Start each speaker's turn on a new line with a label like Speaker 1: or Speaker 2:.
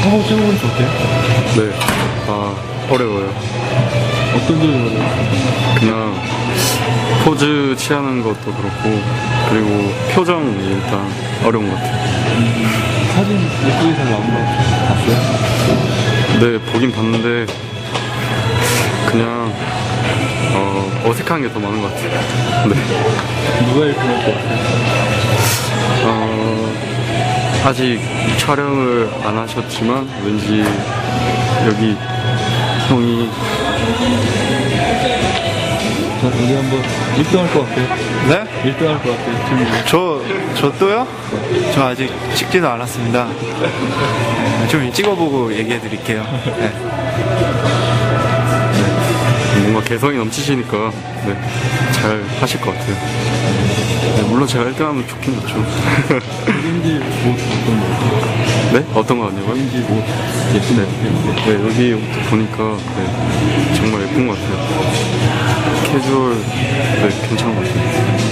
Speaker 1: 한번 찍어보니까 어때요?
Speaker 2: 네. 아, 어려워요.
Speaker 1: 어떤 점이 어려워요?
Speaker 2: 그냥 포즈 취하는 것도 그렇고, 그리고 표정이 일단 어려운 것 같아요.
Speaker 1: 사진 예쁘게 잘 나온 거 봤어요?
Speaker 2: 네, 보긴 봤는데, 그냥, 어색한 게 더 많은 것 같아요. 네.
Speaker 1: 누가 예쁜 것 같아요?
Speaker 2: 아직 촬영을 안 하셨지만, 왠지 여기 형이
Speaker 1: 자, 우리 한번 1등 할 것 같아요.
Speaker 3: 네?
Speaker 1: 1등 할 것 같아요. 지금
Speaker 3: 저 또요? 저 아직 찍지도 않았습니다. 좀 찍어보고 얘기해 드릴게요. 네.
Speaker 2: 뭔가 개성이 넘치시니까, 네, 잘 하실 것 같아요. 네, 물론 제가 1등 하면 좋긴 좋죠.
Speaker 1: 왠지 옷 어떤 거 같아요?
Speaker 2: 네? 어떤 거 아니고요?
Speaker 1: 왠지 옷 예쁜 것 같아요.
Speaker 2: 네, 여기 옷도 보니까, 네, 정말 예쁜 것 같아요. 캐주얼, 네, 괜찮은 것 같아요.